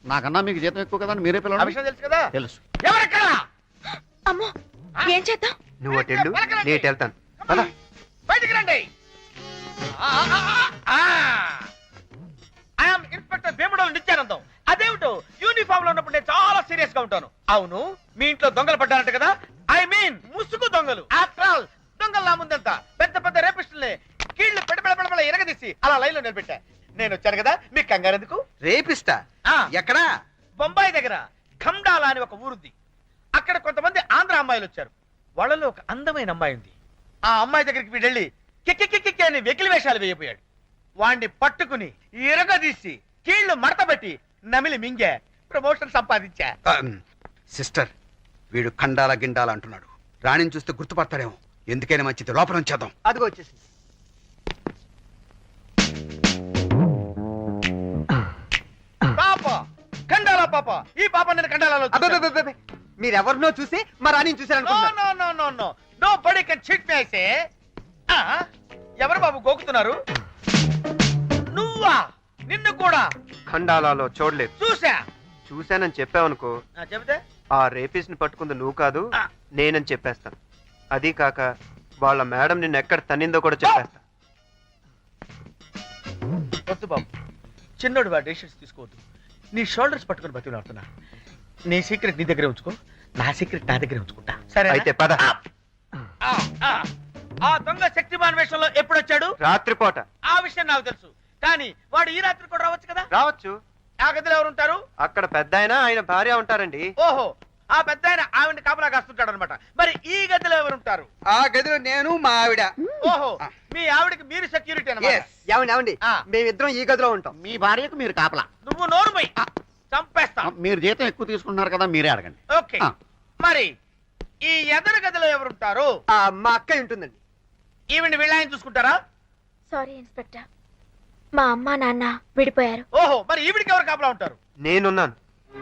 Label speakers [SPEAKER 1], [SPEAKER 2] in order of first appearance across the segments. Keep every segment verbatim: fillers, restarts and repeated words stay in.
[SPEAKER 1] నాకన్నా మీకు జీతం ఎక్కువ కదా మీరే పిల్లలు.
[SPEAKER 2] విషయం తెలుసు కదా?
[SPEAKER 1] తెలుసు.
[SPEAKER 2] ఎవరెక్కడ?
[SPEAKER 3] అమ్మో ఏం చేద్దాం?
[SPEAKER 4] నువ్వు అటు వెళ్ళు, నేను ఇటు వెళ్తాను.
[SPEAKER 2] బయటికి రండి. I'm inspector Bhimadolu Nityanandam. అదేమిటో యూనిఫామ్ లో ఉన్నప్పుడు నేను చాలా సీరియస్ గా ఉంటాను. అవును, మీ ఇంట్లో దొంగలు పడ్డారంట కదా? ఐ మీన్ ముసుగు దొంగలు. ఆఫ్టర్ ఆల్ దొంగలు నా ముందంతా పెద్ద పెద్ద రేపిస్టుల్ని కీళ్లు పెడ పెడ పెడ ఎరగదీసి అలా లైన్ లో నిలబెట్టా. నేను వచ్చాను కదా, మీకు కంగారు ఎందుకు?
[SPEAKER 4] రేపిస్తా ఎక్కడా?
[SPEAKER 2] బొంబాయి దగ్గర ఖమ్డాలా అని ఒక ఊరుంది. అక్కడ కొంతమంది ఆంధ్ర అమ్మాయిలు వచ్చారు. వాళ్ళలో ఒక అందమైన అమ్మాయి ఉంది. ఆ అమ్మాయి దగ్గరికి వీడు వెళ్ళి కిక్కి అని వెకిలి వేషాలు వేయబోయాడు. వాణ్ణి పట్టుకుని ఇరగదీసి కీళ్లు మడతబెట్టి నమిలి మింగే ప్రమోషన్ సంపాదించా.
[SPEAKER 4] సిస్టర్, వీడు ఖండాల గిండాల అంటున్నాడు. రాణిని చూస్తే గుర్తుపడతాడేమో. ఎందుకైనా మంచిది, లోపల ఉంచేద్దాం.
[SPEAKER 2] అదిగో వచ్చేసి పాప, ఖండాల పాప. ఈ పాప నేను ఖండాలలో
[SPEAKER 4] మీరెవరినో చూసి మా రాణిని చూసారనుకుంటున్నారు.
[SPEAKER 2] ఎవరు బాబు గోకుతున్నారు? నువ్వా? నిన్ను కూడా
[SPEAKER 4] ఖండాలలో చూడలేదు.
[SPEAKER 2] చూసా.
[SPEAKER 4] చూశానని చెప్పావనుకో,
[SPEAKER 2] చెబితే
[SPEAKER 4] ఆ రేపిస్ట్ ని పట్టుకుంది నువ్వు కాదు,
[SPEAKER 2] ఆ.
[SPEAKER 4] నేనని చెప్పేస్తాను. అది కాక వాళ్ళ మేడం నిన్ను ఎక్కడ తన్నిందో కూడా చెప్పేస్తా.
[SPEAKER 2] వద్దు బాబు, చిన్నోడు వాడు డెసిషన్స్ తీసుకోవద్దు. నీ షోల్డర్స్ పట్టుకుని బతిలాడుతున్నా. నీ సీక్రెట్ నీ దగ్గరే ఉంచుకో, నా సీక్రెట్ నా దగ్గరే ఉంచుకుంటా. సరే
[SPEAKER 4] అయితే పద.
[SPEAKER 2] ఆ దొంగ శక్తిమాన్ వేషంలో ఎప్పుడు వచ్చాడు?
[SPEAKER 4] రాత్రిపూట.
[SPEAKER 2] ఆ విషయం నాకు తెలుసు, కానీ వాడు ఈ రాత్రి కూడా రావచ్చు కదా?
[SPEAKER 4] రావచ్చు.
[SPEAKER 2] ఆ గదిలో ఎవరు ఉంటారు?
[SPEAKER 4] అక్కడ పెద్ద ఆయన, ఆయన భార్య ఉంటారండి.
[SPEAKER 2] ఓహో, ఆ పెద్ద ఆయన ఆవిడ కాపలా కాస్తుంటాడు అనమాట. మరి ఈ గదిలో ఎవరు ఉంటారు?
[SPEAKER 4] ఆ గదిలో నేను, మా ఆవిడ.
[SPEAKER 2] ఓహో, మీ ఆవిడకి మీరు సెక్యూరిటీ అన్నమాట.
[SPEAKER 4] ఏమండి ఏమండి మేమిద్దరం ఈ గదిలో ఉంటాం.
[SPEAKER 1] మీ భార్యకు మీరు కాపలా.
[SPEAKER 2] నువ్వు నోరు పోయి చంపేస్తా.
[SPEAKER 1] మీరు జీతం ఎక్కువ తీసుకుంటున్నారు కదా, మీరే అడగండి.
[SPEAKER 2] ఓకే, మరి ఈ ఎదరు గదిలో ఎవరుంటారు?
[SPEAKER 4] మా అక్క ఉంటుందండి.
[SPEAKER 2] ఈవిని వీళ్ళని చూసుకుంటారా?
[SPEAKER 3] సారీ ఇన్స్పెక్టర్, మా అమ్మ నాన్న విడిపోయారు.
[SPEAKER 2] ఓహో, మరి ఈవిడికి ఎవరు కాపలా ఉంటారు?
[SPEAKER 4] నేనున్నాను.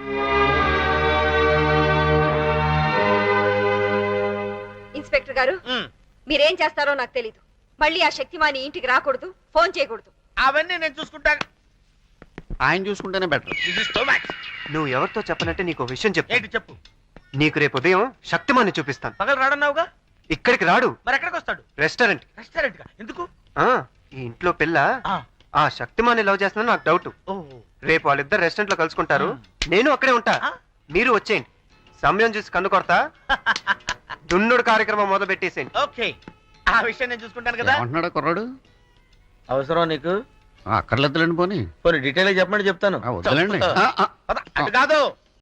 [SPEAKER 5] ఇన్స్పెక్టర్ గారు, మీరేం చేస్తారో నాకు తెలీదు. మళ్ళీ ఆ శక్తిమాని ఇంటికి రాకూడదు, ఫోన్ చేయకూడదు.
[SPEAKER 2] అవన్నీ నేను చూసుకుంటా.
[SPEAKER 1] ఆయన చూసుకుంటేనే బెటర్.
[SPEAKER 4] నువ్వు ఎవరితో చెప్పనంటే నీకు విషయం చెప్పు.
[SPEAKER 2] ఏంటి చెప్పు?
[SPEAKER 4] నీకు రేపు ఉదయం శక్తిమాన్ని చూపిస్తాను.
[SPEAKER 2] పగలు రాడన్నావుగా?
[SPEAKER 4] ఇక్కడికి రాడు.
[SPEAKER 2] మరి ఎక్కడికి వస్తాడు?
[SPEAKER 4] రెస్టారెంట్.
[SPEAKER 2] రెస్టారెంట్ గా ఎందుకు?
[SPEAKER 4] ఆ ఈ ఇంట్లో పిల్ల ఆ శక్తిమాన్ని లవ్ చేస్తున్నా నాకు డౌట్. రేపు వాళ్ళిద్దరు రెస్టారెంట్ లో కలుసుకుంటారు. నేను అక్కడే ఉంటా, మీరు వచ్చేయండి. సమయం చూసి కన్ను కొడతా. దున్నుడు కార్యక్రమం మొదలు పెట్టేసేయండి.
[SPEAKER 2] ఓకే, ఆ విషయం నేను చూసుకుంటాను కదా.
[SPEAKER 1] అంటున్నాడు కుర్రాడు.
[SPEAKER 2] అవసరం నీకు?
[SPEAKER 1] అక్కర్లేదులేండి పోనీ.
[SPEAKER 2] కొన్ని డీటెయిల్ చెప్పమని చెప్తాను.
[SPEAKER 1] వద్దులేండి.
[SPEAKER 2] అటు కాదు,